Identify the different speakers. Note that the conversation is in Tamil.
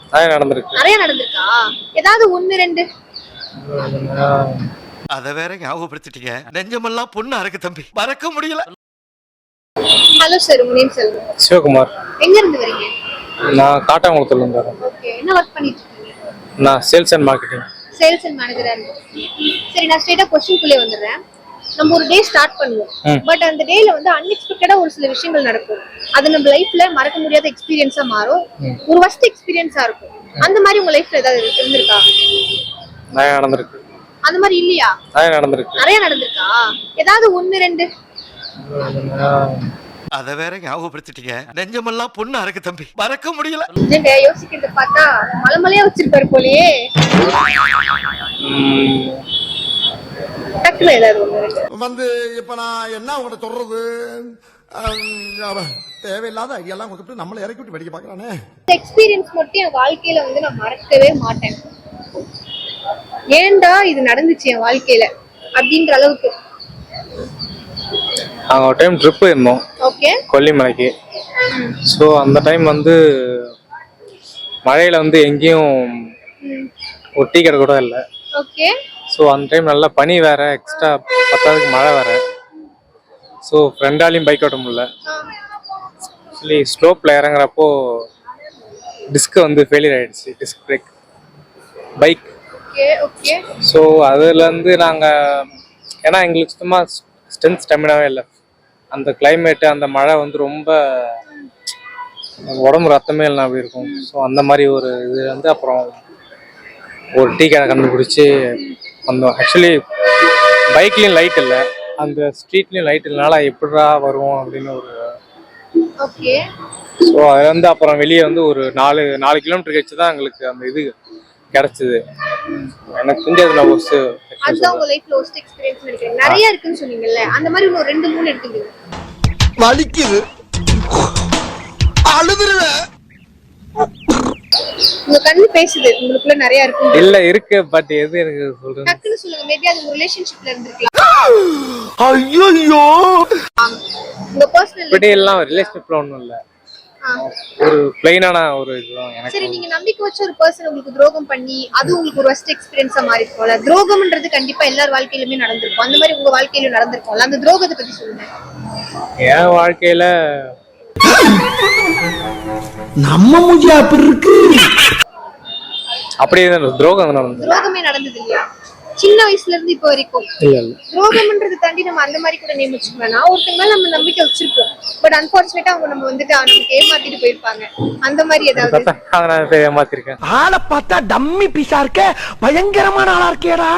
Speaker 1: நிறைய நடந்திருக்கா? ஏதாவது ஒன்னு ரெண்டு?
Speaker 2: அத வேற ஞாபகப்படுத்திட்டீங்க. நெஞ்சமெல்லாம் பொண்ணு அறக்கு தம்பி, மறக்க முடியல.
Speaker 1: ஹலோ சார், உங்க நேம் சொல்லுங்க.
Speaker 3: சிவகுமார்.
Speaker 1: எங்க இருந்து வரீங்க?
Speaker 3: நான் காட்டாங்குளத்துல இருந்து வரேன்.
Speaker 1: ஓகே, என்ன வர்க் பண்ணிட்டு இருக்கீங்க?
Speaker 3: நான் sales and marketing.
Speaker 1: Sales and மேனேஜரா இருக்கீங்க. சரி, நான் ஸ்ட்ரைட்டா क्वेश्चनக்குள்ளே வந்துறேன். நம்ம ஒரு டே ஸ்டார்ட் பண்ணுவோம். பட் அந்த டேல வந்து அன்எக்ஸ்பெக்டடா ஒரு சில விஷயங்கள் நடக்கும். அது நம்ம லைஃப்ல மறக்க முடியாத எக்ஸ்பீரியன்ஸா மாறும். ஒரு வர்ஸ்ட் எக்ஸ்பீரியன்ஸா இருக்கும். அந்த மாதிரி உங்க லைஃப்ல ஏதாவது இருந்திருக்கா?
Speaker 3: நிறைய நடந்திருக்கு.
Speaker 1: அந்த மாதிரி இல்லையா? நிறைய நடந்திருக்கா? ஏதாவது ஒன்னு ரெண்டு?
Speaker 2: அத வேற ஞாபகப்படுத்திட்டீங்க. நெஞ்சமெல்லாம் பொண்ணு அறக்கு தம்பி, மறக்க முடியல.
Speaker 1: நீங்க யோசிக்கிறத பார்த்தா மலமலையா வச்சிருப்பாரு போலயே. டக்குல ஏதாவது ஒன்னு ரெண்டு
Speaker 4: வந்து இப்ப நான் என்ன உங்கள்ட்ட சொல்றது? தேவையில்லாத ஐடியாலாம் கொடுத்துட்டு நம்மளை இறக்கி விட்டு வெடிக்க பாக்குறானே.
Speaker 1: எக்ஸ்பீரியன்ஸ் மட்டும் என் வாழ்க்கையில வந்து நான் மறக்கவே மாட்டேன். ஏன்டா இது நடந்துச்சு என் வாழ்க்கையில அப்படின்ற அளவுக்கு.
Speaker 3: நாங்கள் ஒரு டைம் ட்ரிப் போயிருந்தோம்.
Speaker 1: ஓகே.
Speaker 3: கொல்லிமலைக்கு. ஸோ அந்த டைம் வந்து மழையில வந்து எங்கேயும் ஒரு டீ கடை கூட இல்லை.
Speaker 1: ஓகே.
Speaker 3: ஸோ அந்த டைம் நல்லா பனி வேற, எக்ஸ்ட்ரா பத்தாவதுக்கு மழை வேற. ஸோ ஃப்ரெண்டாலையும் பைக் ஓட்ட முடியல. ஆக்சுவலி ஸ்லோப்பில் இறங்குறப்போ டிஸ்க் வந்து ஃபெயிலியர் ஆயிடுச்சு, disc brake bike.
Speaker 1: Okay.
Speaker 3: So அதுலேருந்து நாங்கள், ஏன்னா எங்களுக்கு சுத்தமாக ஸ்ட்ரென்த் ஸ்டெமினாவே இல்லை. அந்த கிளைமேட்டு, அந்த மழை வந்து ரொம்ப உடம்பு ரத்தமே இல்லை அப்படி இருக்கும். ஸோ அந்த மாதிரி ஒரு இது வந்து அப்புறம் ஒரு டீ கடை கண்டுபிடிச்சி வந்தோம். ஆக்சுவலி பைக்லேயும் லைட் இல்லை, அந்த ஸ்ட்ரீட்லேயும் லைட் இல்லைனால எப்படிடா வருவோம் அப்படின்னு ஒரு.
Speaker 1: ஓகே.
Speaker 3: ஸோ அது வந்து அப்புறம் வெளியே வந்து ஒரு 4 கிலோமீட்டர் கழிச்சு தான் எங்களுக்கு அந்த இது கிடைச்சது. எனக்கு தெரிஞ்சதுல
Speaker 1: அதுதான் உங்க லைஃப்ல ஒஸ்ட் எக்ஸ்பீரியன்ஸ் நினைக்கிறேன். நிறைய இருக்குன்னு சொன்னீங்கல்ல, அந்த மாதிரி இன்னும் 2-3 எடுத்துக்கங்க.
Speaker 4: வலிக்குது, அழுதுருவேன்.
Speaker 1: உங்க கண்ணு பேசுது, உங்களுக்குள்ள நிறைய இருக்கு.
Speaker 3: இல்ல இருக்கு, பட் எது எனக்கு சொல்றேன்
Speaker 1: டக்குன்னு சொல்லுங்க. மேபி அது ஒரு ரிலேஷன்ஷிப்ல இருந்திருக்கலாம்.
Speaker 4: ஐயோ,
Speaker 1: உங்க பர்சனல்
Speaker 3: இப்படி எல்லாம் ரிலேஷன்ஷிப்ல ஒண்ணும் இல்ல, ஒரு பிளைனான ஒரு இதுதான் எனக்கு.
Speaker 1: சரி, நீங்க நம்பிக்கை வச்ச ஒரு பர்சன் உங்களுக்கு துரோகம் பண்ணி அது உங்களுக்கு ஒரு வர்ஸ்ட் எக்ஸ்பீரியன்ஸா மாறி இருக்கும்ல. துரோகம்ன்றது கண்டிப்பா எல்லார் வாழ்க்கையிலுமே நடந்திருக்கும். அந்த மாதிரி உங்க வாழ்க்கையில நடந்திருக்கும்ல. அந்த துரோகத்தை பத்தி சொல்லுங்க.
Speaker 3: என் வாழ்க்கையில
Speaker 4: நம்ம மூஞ்சி அப்படி இருக்கு.
Speaker 3: அப்படியே துரோகம் நடந்தது.
Speaker 1: துரோகமே நடந்தது இல்லையா? சின்ன வயசுல இருந்து இப்ப வரைக்கும் துரோகம்ன்றது தாண்டி நம்ம அந்த மாதிரி கூட நேம் வச்சுக்கலாம். ஒருத்தங்க மேல நம்ம நம்பிக்கை வச்சிருப்போம், பட் அன்பார்ச்சுனேட்டா அவங்க நம்ம வந்துட்டு நமக்கு ஏமாத்திட்டு போயிருப்பாங்க. அந்த மாதிரி ஏதாவது?
Speaker 3: ஏமாத்திருக்கேன்.
Speaker 4: ஆளை பார்த்தா டம்மி பீஸா இருக்க, பயங்கரமான ஆளா இருக்கேடா.